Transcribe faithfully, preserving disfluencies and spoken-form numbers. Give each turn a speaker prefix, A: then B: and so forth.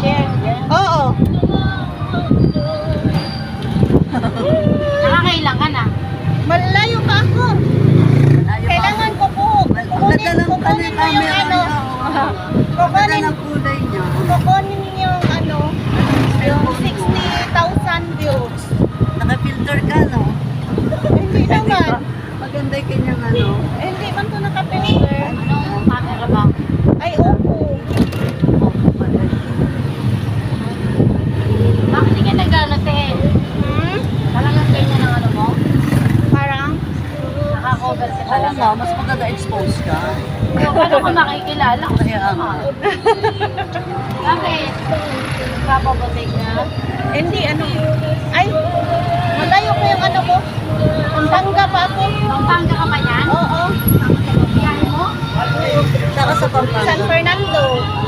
A: share.
B: Oo.
A: Nakakailang ka na.
B: Malayo pa ako. Kailangan ko po. Kukunin, kukunin mo yung ano. Kukunin,
C: ng kulay niya.
B: kukunin yung ano. Yung sixty thousand views.
C: Naka-filter ka, no?
B: Hindi naman.
C: Maganda yung kanyang ano.
B: Eh, Hindi man to nakapilter.
A: Anong camera ba?
B: Ay, opo.
A: Bakit hindi ka nag-ano, te?
B: Hmm?
A: Talagang ganyan ang ano mo?
B: Parang?
A: Nakakover ka
C: Oo
A: talaga.
C: nga, mas maganda expose ka.
A: So, paano ko makikilala ko?
C: Kaya nga.
A: Bakit? Papabutik na?
B: Hindi, ano. Ay, malayo ko yung ano ko. Pampanga pa ako.
A: Pampanga ka ba yan?
B: Oo.
A: Biyahe mo?
C: Saka sa Pampanga.
B: San Fernando.